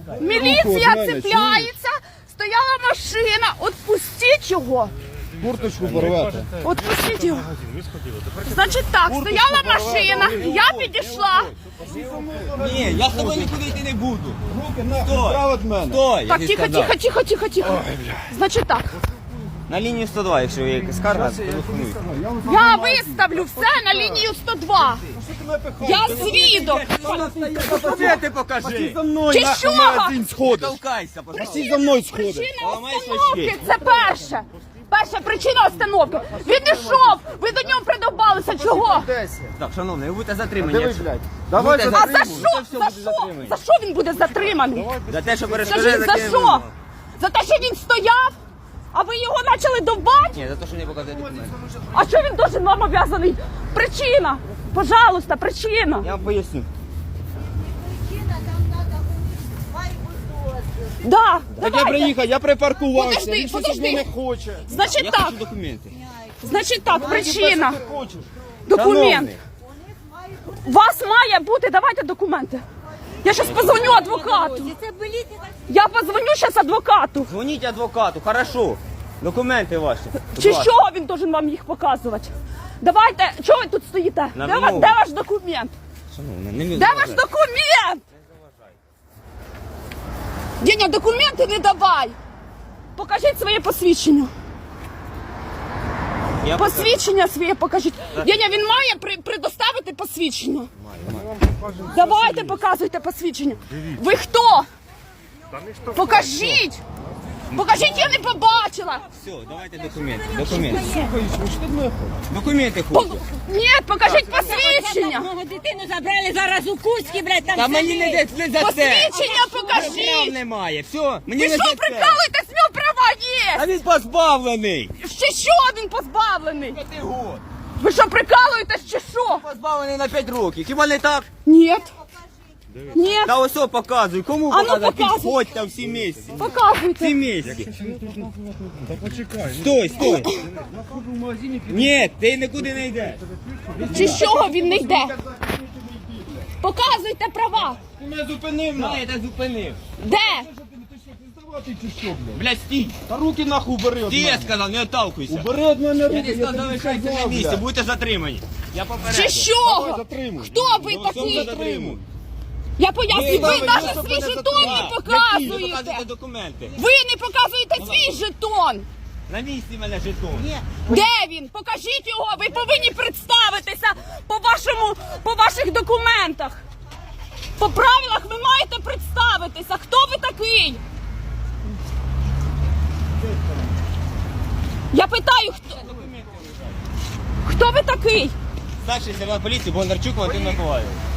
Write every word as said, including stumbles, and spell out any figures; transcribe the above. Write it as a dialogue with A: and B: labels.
A: Міліція цепляється, стояла машина, отпустіть його.
B: Курточку порвете.
A: Отпустіть його. Значить так, стояла машина, я підійшла.
C: Ні, я з тобою нікуди йти не буду.
B: Руки нахуй, право від мене.
C: Стой!
A: Так, тихо, тихо, тихо, тихо, тихо. Значить так,
C: На лінію сто два, якщо є якась скарга, телефонуйте.
A: я виставлю все на лінію сто два. Я свідок.
C: Документи покажи!
B: За мною
A: Чи
B: нахуй
A: що?
B: магазин сходиш.
C: Толкайся, пожалуйста.
B: Всі за мною сходиш.
A: Причина
C: Ламай
A: остановки
C: свічки.
A: – це перше. Перша причина остановки. Він ішов, ви до нього придовбалися. Чого?
C: Так, шановний, ви будете затримані.
B: Диви,
C: якщо-
B: блядь. Давай
C: Будете
A: А
B: затримуй.
A: за
C: затримані.
A: що?
C: Це все
A: За
C: буде
A: що?
C: затримані.
A: За що він буде затриманий?
C: За те, що перешкоджає
A: Скажіть, за
C: законним
A: що?
C: вимогам.
A: За те, що він стояв? А ви його почали довбати?
C: Ні, за те, що не показує документи.
A: А що він должен вам обв'язаний? Причина. Пожалуйста, причина.
C: Я вам поясню.
A: Да,
B: Так я
A: давайте.
B: приїхав, я припаркувався.
A: Подожди,
B: Він щось
A: подожди.
B: від мене хоче.
A: Значить
C: Я
A: так,
C: хочу документи.
A: значить так, причина.
B: Ти хочеш?
A: Документ.
C: Шановний,
A: У вас має бути, давайте документи. Я зараз позвоню адвокату. Я позвоню зараз адвокату.
C: Дзвоніть адвокату, хорошо. Документи ваші. Будь
A: Чи
C: ласка.
A: що він должен вам їх показувати? Давайте, чого ви тут стоїте?
C: На
A: Де, ва-
C: вимогу.
A: де ваш документ?
C: Шановний, не міг
A: Де ваш
C: заважати.
A: документ? Деня, документи не давай. Покажіть своє посвідчення.
C: Я покажу.
A: Посвідчення своє покажіть. Деня, він має при, предоставити посвідчення. Давайте показуйте посвідчення. Ви хто? Покажіть. Покажіть, я не побачила.
C: Все, давайте документи. Документи.
B: Слухай, що ти від мене хочеш?
C: Документи
A: По-
C: хочу.
A: Ні, покажіть посвідчення.
D: Мого дитину забрали зараз у Кузькі, блядь, там
C: Та мені не
D: сидить.
C: де не за це.
A: Посвідчення
C: Прав
A: покажіть.
C: немає. Все, мені
A: Ви
C: не
A: що,
C: за це.
A: прикалуєтесь? В нього права
C: А
A: є.
C: він позбавлений.
A: Ще що він позбавлений?
C: П'яти год.
A: Ви що, прикалуєтесь чи що?
C: Позбавлений на п'ять років. Хіба не так?
A: Ні. Ні.
C: Та ось о, показуй. Кому
A: А ну,
C: показати?
A: показуй.
C: Підходьте всі місці. Всі
A: Показуйте.
C: місці.
B: Та почекай.
C: Стой, стой. Ні, ти нікуди не йдеш.
A: Чи з чого він не йде? Показуйте права.
B: Ти мене зупинив
C: Да,
B: нахуй.
C: я тебе зупинив.
A: Де?
B: Здавати чи що, блядь?
C: Блядь, стій.
B: Та руки нахуй убери від
C: Ти я
B: мене.
C: сказав, не отталкуйся.
B: Убери від мене
C: Я
B: руки,
C: тобі
B: я
C: сказав,
B: тобі
C: залишайся на
B: сказав,
C: місці,
B: блядь.
C: будете затримані. Я попереджу.
A: Чи що?
B: Давай, затримуй.
A: Хто ви
C: Ну, все,
A: такий?
C: затримуй.
A: Я поясню,
C: Ви-
A: ви
C: ви-
A: навіть
C: ви-
A: свій
C: ви-
A: жетон не
C: ви- Ви
A: показуєте.
C: показуєте документи.
A: Ви не показуєте свій жетон.
C: На місці мене жетон.
A: Де він? Покажіть його. Ви повинні представитися по вашому, по ваших документах. По правилах ви маєте представитися. Хто ви такий? Я питаю, хто, хто ви такий?
C: Старший сержант поліції Бондарчук Валентин Миколаївич.